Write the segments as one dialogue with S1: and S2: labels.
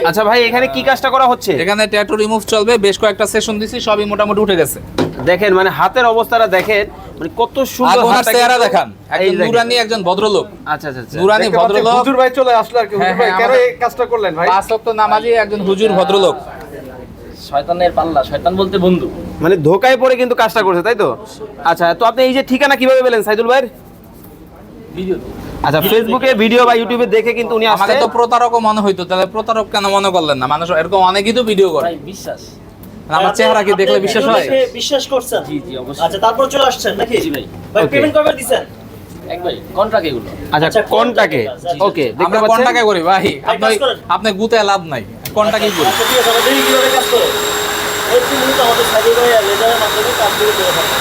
S1: আচ্ছা ভাই, এখানে কি কাজটা করা হচ্ছে?
S2: এখানে ট্যাটু রিমুভ চলবে, বেশ কয়েকটা সেশন দিছি, সবই মোটামুটি উঠে গেছে।
S1: দেখেন মানে হাতের অবস্থাটা দেখেন, মানে কত সুন্দর
S2: হাতটা চেহারা দেখান, একজন নুরানি একজন ভদ্রলোক।
S1: আচ্ছা আচ্ছা আচ্ছা,
S2: নুরানি ভদ্রলোক।
S3: হুজুর ভাই চলে আসলো আর কি। হুজুর ভাই কেন এই কাজটা করলেন ভাই?
S2: পাঁচ ওয়াক্ত নামাজি একজন হুজুর ভদ্রলোক।
S4: শয়তানের পাল্লা, শয়তান বলতে বন্ধু।
S1: মানে ধোকায় পড়ে কিন্তু কাজটা করছে, তাই তো? আচ্ছা, তো আপনি এই যে ঠিকানা কিভাবে পেলেন সাইদুল ভাই?
S4: ভিডিও
S1: আচ্ছা, ফেসবুকে ভিডিও বা ইউটিউবে দেখে কিন্তু উনি
S2: আমাকে
S1: আসছে।
S2: তো প্রতারকও মনে হইতো, তাহলে প্রতারক কেন মনে করলেন না? মানুষ এরকম অনেকেই তো ভিডিও করে।
S4: ভাই বিশ্বাস।
S2: আমার চেহারা কি দেখলে বিশ্বাস হয়?
S5: বিশ্বাস করছেন?
S4: জি জি অবশ্যই।
S5: আচ্ছা, তারপর চলে আসছেন নাকি?
S4: জি ভাই।
S5: ভাই
S1: Okay.
S5: পেমেন্ট কবে দিবেন?
S4: একবারে কন্ট্রাক্ট এগুলো।
S1: আচ্ছা,
S5: আচ্ছা,
S1: কোনটাকে?
S5: কোনটাকে?
S1: ওকে, দেখতে
S2: আমরা
S1: পাচ্ছেন
S2: কোনটাকে করি ভাই?
S5: ভাই, কাজ করেন।
S2: আপনি গুতে লাভ নাই, কোনটাকেই করি।
S5: আচ্ছা ঠিক আছে, আমরা দেখি কিভাবে কাজ করে। এই মূলত আমাদের সাইডে ভাই লেজারের মাধ্যমে কাজগুলো করে থাকে।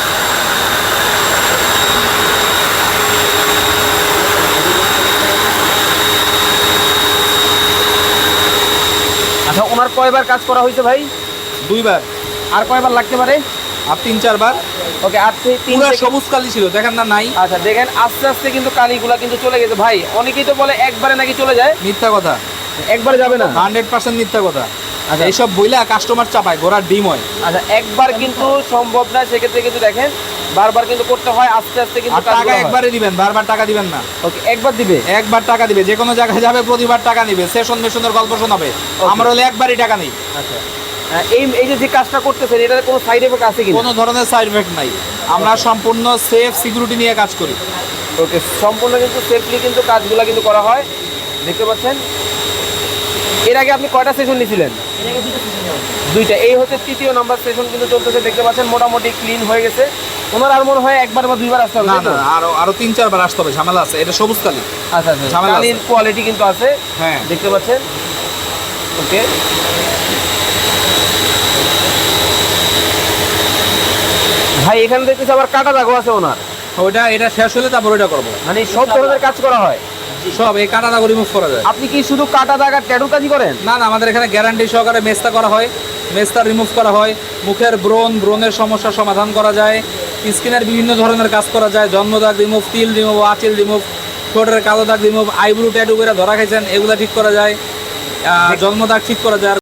S1: আচ্ছা, ওনার কয়বার কাজ করা হয়েছে ভাই?
S2: দুইবার
S1: আর কয়বার লাগতে পারে?
S2: আর 3-4 বার।
S1: ওকে, আর তিন
S2: পুরো
S1: থেকে-
S2: সবুজ কালি ছিল, দেখেন না নাই?
S1: আচ্ছা দেখেন, আস্তে আস্তে কিন্তু কালিগুলা কিন্তু চলে গেছে ভাই। অনেকেই তো বলে একবারে নাকি চলে যায়,
S2: মিথ্যা কথা,
S1: একবারে যাবে না।
S2: 100% মিথ্যা কথা।
S1: আচ্ছা।
S2: এইসব বইলা কাস্টমার চাপায়, ঘোড়ার ডিম হয়।
S1: আচ্ছা, একবার কিন্তু সম্ভব না, সেক্ষেত্রে কিন্তু দেখেন বারবার কিন্তু করতে হয়, আস্তে আস্তে কিন্তু
S2: আর টাকা
S1: কাজগুলো হয়।
S2: একবারে দিবেন, বারবার টাকা দিবেন না।
S1: ওকে, একবার দিবে।
S2: একবার টাকা দিবে, যে কোনো জায়গায় যাবে প্রতিবার টাকা নিবে, সেশন মেশনের গল্প শোনাবে। আমরা হলে একবারই টাকা নেই,
S1: আচ্ছা, এই যে কাজটা করতেছেন, এটার কোনো সাইড এফেক্ট আছে কি?
S2: কোনো ধরনের সাইড এফেক্ট নাই। আমরা সম্পূর্ণ সেফ সিকিউরিটি নিয়ে কাজ করি।
S1: ওকে, সম্পূর্ণ কিন্তু সেফলি কিন্তু কাজগুলো কিন্তু করা হয়, দেখতে পাচ্ছেন। এর আগে আপনি কয়টা সেশন নিয়েছিলেন? দুইটা। এই হচ্ছে তৃতীয় নাম্বার সেশন কিন্তু চলতেছে, দেখতে পাচ্ছেন মোটামুটি ক্লিন হয়ে গেছে। ওনার আর মনে হয় একবার বা দুইবার আসতে হবে,
S2: না
S1: তাই তো?
S2: না, আরো 3-4 বার আসতে হবে, ঝামেলা আছে। এটা সবুজ কালি।
S1: আচ্ছা আচ্ছা,
S2: ঝামেলা আছে।
S1: কালির কোয়ালিটি কিন্তু আছে,
S2: হ্যাঁ।
S1: দেখতে পাচ্ছেন। ওকে, ভাই এখানে দেখতেছি আবার কাটা দাগও আছে ওনার,
S2: এটা শেষ হলে তারপর ওইটা করবো।
S1: মানে সব ধরনের কাজ করা হয়।
S2: সব এই কাটা দাগ রিমুভ করা যায়।
S1: আপনি কি শুধু কাটা দাগ আর ট্যাটু কাজই করেন?
S2: না না, আমাদের এখানে গ্যারান্টি সহকারে মেস্তা করা হয়, মেস্তা রিমুভ করা হয়। মুখের ব্রণের সমস্যার সমাধান করা যায়, স্কিনের বিভিন্ন ধরনের কাজ করা যায়। জন্মদাগ রিমুভ, তিল রিমুভ, আঁচিল রিমুভ, ঠোঁটের কালো দাগ রিমুভ, আইব্রু ট্যাটু করে ধরা খাইছেন, এগুলো ঠিক করা যায়। জন্মদাগ ঠিক করা যায়।